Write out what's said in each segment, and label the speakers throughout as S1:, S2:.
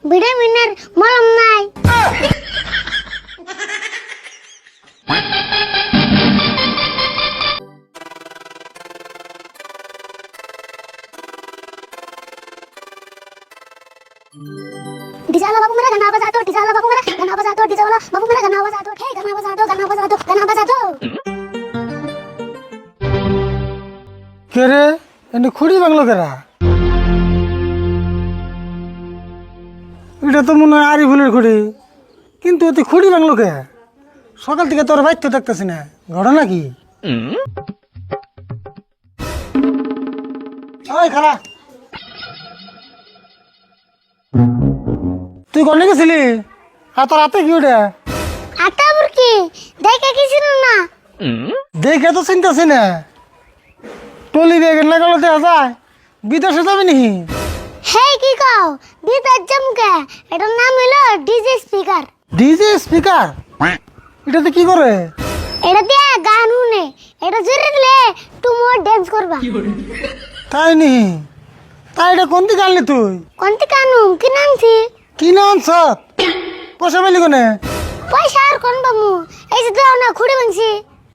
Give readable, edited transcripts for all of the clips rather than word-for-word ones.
S1: ভিটামিনের মলম নাই। डीजे वाला बाबू मेरा गाना बजा दो, डीजे वाला बाबू मेरा गाना बजा दो, डीजे वाला बाबू मेरा गाना बजा दो, हे गाना बजा दो, गाना बजा दो, गाना बजा दो।
S2: কে রে এনে খুঁড়ি বাংলো কেরা? এটা তো মনে হয় আরিফুলের খুঁড়ি, কিন্তু তুই খুঁড়ি বাংলো কে? সকাল থেকে তোর বাইর তো দেখতেছি না, ঘটনা কি? ওই খালা, তুই কোনে গেছিলি? আর তোর হাতে কি ওটা?
S1: আটা বুরকি দেখে কিছু না।
S2: দেখে তো চিন্তাছি না, টলি বেগে না গেলে দেখা যায় বিদেশে যাবি নি?
S1: হে কি কও বিদার জমকে, এটার নাম হলো ডিজে স্পিকার।
S2: DJ speaker? এটাতে কি করে?
S1: এটা দিয়ে গান শুনে, এটা জোরে দিলে তুমি ডান্স করবা।
S2: তাই নি? তাই এটা কোন দিকে আনলি তুই?
S1: কোনটি কানু কি নামছি?
S2: কি নাম সব? পয়সা পেলি কোনে?
S1: পয়সা আর কোন বামু, এই যে দাও না খুঁড়ে ভাঙছি।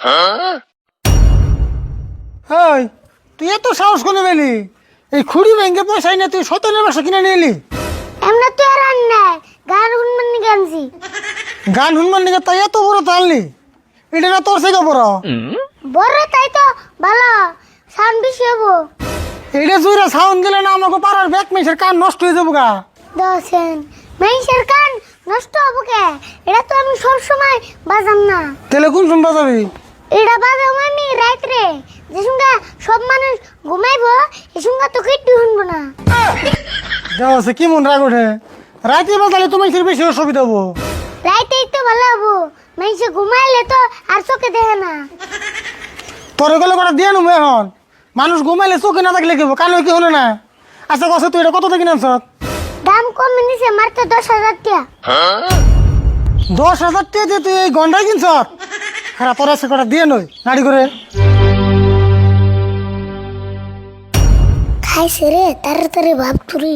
S2: ওই তুই এত সাহস করে পেলি? এই খুঁড়ি ব্যাংকে পয়সা না তুই সতেনের বাসা কিনে নিয়ে এলি?
S1: এমনা তো আর আন নাই, গান শুনবেন নি গানছি।
S2: গান শুনবার নিকে তাই এত বড় তো আনলি? এটা না তোর থেকে বড়?
S1: বড় তাই তো ভালো, সাউন্ড বেশি হবো।
S2: এটা জুড়ে সাউন্ড দিলে না আমাকে পাড়ার ব্যাক মেসের কান নষ্ট হয়ে যাবো গা।
S1: দশেন মেইসের কান নষ্ট হবো কে? এটা তো আমি সব সময় বাজাম না।
S2: তাহলে কোন শুনবা যাবি?
S1: এটা বাজাম আমি রাত্রে, যে সঙ্গে সব মানুষ ঘুমাইবো, এই সঙ্গে তো কিট্টু শুনবো না।
S2: দেওয়া কি মন রাগ ওঠে? রাতে বাজালে তোমার বেশি অসুবিধা হবো।
S1: রাইতেই তো ভালো হবো, মেইসে ঘুমাইলে তো আর চোখে দেখে না।
S2: তোর গেলে কটা দিয়ে নেবো এখন? মানুষ ঘুমাইলে চোখে না থাকলে কেবো, কানে কি হলো না? আচ্ছা কত তুই এটা কত থেকে নামছ?
S1: দাম কমে নিছে মাত্র 10,000 টাকা।
S2: 10,000 টাকা দিয়ে তুই এই গন্ডাই কিনছ? হ্যাঁ তোর আছে কটা দিয়ে নই নাড়ি করে।
S1: খাইছে রে তাড়াতাড়ি ভাব তুরি।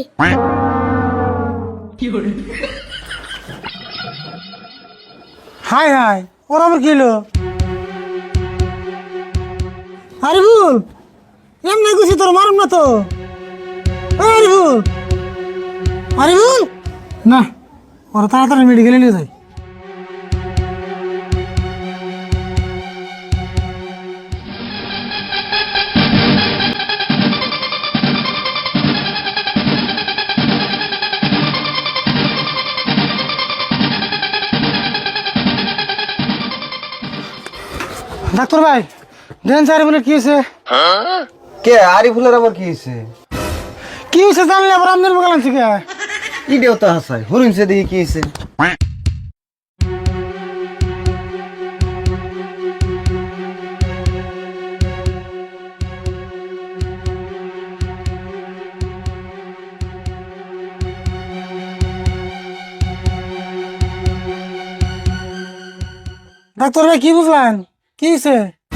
S2: হাই হাই, ওর আবার কি হলো? আরিফুল, এমনি গুছি তোর মারুম না তো। আরিফুল, আরিফুল না, ওরা তাড়াতাড়ি মেডিকেলে নিয়ে যায়। ডাক্তার ভাই দেন আরিফুলের কি হয়েছে?
S3: কে আরিফুলের আবার কি হয়েছে?
S2: কি হয়েছে জানলে আবার আপনার মোকাল আনছি কে?
S3: ইডিও তো হাসাই হরিণছে দিয়ে কি হয়েছে?
S2: ডাক্তার ভাই কি বুঝলেন? কি হয়েছে?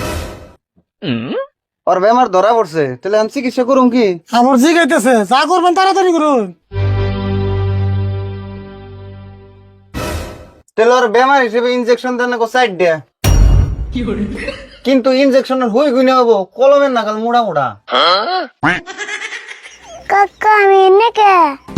S3: ওর বেমার ধরা পড়ছে, তাহলে আমি চিকিৎসা করুম কি?
S2: আমার জি গাইতেছে, যা করবেন তাড়াতাড়ি করুন।
S3: তাহলে ওর বেমার হিসেবে ইনজেকশন দেন না সাইড দেয়া, কিন্তু ইনজেকশনের হই গুনে হবো কলমের নাগাল মোড়া মোড়া।
S1: কাকা আমি এনে কে?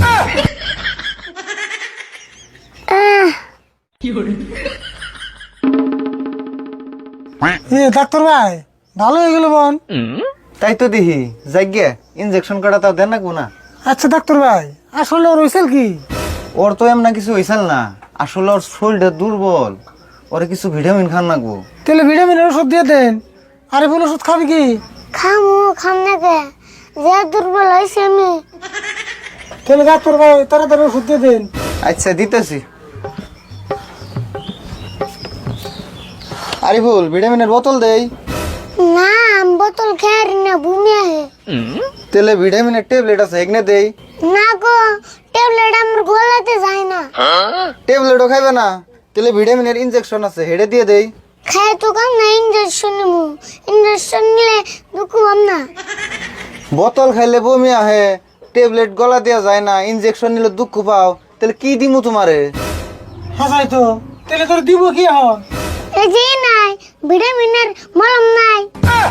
S2: এ ডাক্তার ভাই ভালো হয়ে গেল বোন।
S3: তাই তো দেখি যাইগে ইনজেকশন কাটা তাও দেন না কোনা।
S2: আচ্ছা ডাক্তার ভাই আসলে ওর হয়েছিল কি?
S3: ওর তো এমন কিছু হয়েছিল না, আসলে ওর শরীরটা দুর্বল, ওরে কিছু ভিটামিন খান নাকবো।
S2: তাহলে ভিটামিনের ওষুধ দিয়ে দেন। আরিফুল ওষুধ খাবি কি?
S1: খাম না কে, যে দুর্বল হয়েছে আমি।
S2: তাহলে ডাক্তার ভাই তাড়াতাড়ি ওষুধ দিয়ে দেন।
S3: আচ্ছা দিতেছি। আরিফুল ভিটামিনের বোতল দেই।
S1: না বোতল খেয়ার না, বমি আহে।
S3: তাহলে ভিটামিনের ট্যাবলেট আছে এগনে দেই।
S1: না গো, ট্যাবলেট আমার গলাতে যায় না।
S3: ট্যাবলেটও খাইবে না? তাহলে ভিটামিনের ইনজেকশন আছে হেডে দিয়ে দেই।
S1: খায় তো কাম না, ইঞ্জেকশন নিমু। ইঞ্জেকশন নিলে দুঃখ পাম না।
S3: বোতল খাইলে বমি আহে, ট্যাবলেট গলা দেওয়া যায় না, ইনজেকশন নিলে দুঃখ পাও, তাহলে কি দিমু তোমারে?
S2: হাসাই তো তাহলে তোর দিব কি এখন?
S1: এই যে নাই ভিটামিনের মলম নাই।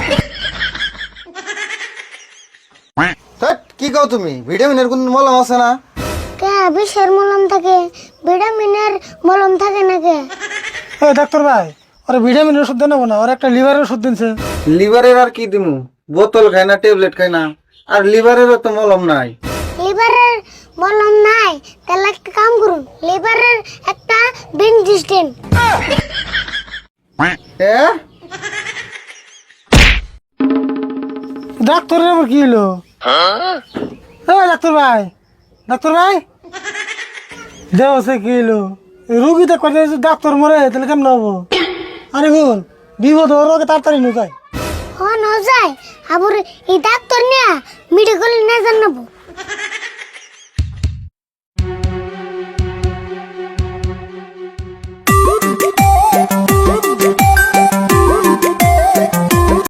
S3: ধ্যাৎ, কি কও তুমি? ভিটামিনের কোন মলম আছে না?
S1: কে বিষের মলম থাকে, ভিটামিনের মলম থাকে না কে?
S2: এই ডাক্তার ভাই ওরা ভিটামিনের ওষুধ দেন না, ওরা একটা লিভারের ওষুধ দিনছে।
S3: লিভারের আর কি দিমু? বোতল খায় না, ট্যাবলেট খায় না, আর লিভারেরও তো মলম নাই।
S1: লিভারের মলম নাই, তাহলে একটা কাম করুন, লিভারের একটা বেঞ্জিস দেন।
S2: ডাক্তারের আবার কি হলো? ডাক্তার ভাই, ডাক্তার ভাই দেহ সে কি হলো? রুগী তো করে ডাক্তার মরে তাহলে কেমন হবো? আরে বোন বিপদ ওর আগে তাড়াতাড়ি নো যায়।
S1: হন যায় আবার এই ডাক্তার নিয়ে মেডিকেল না জানাবো।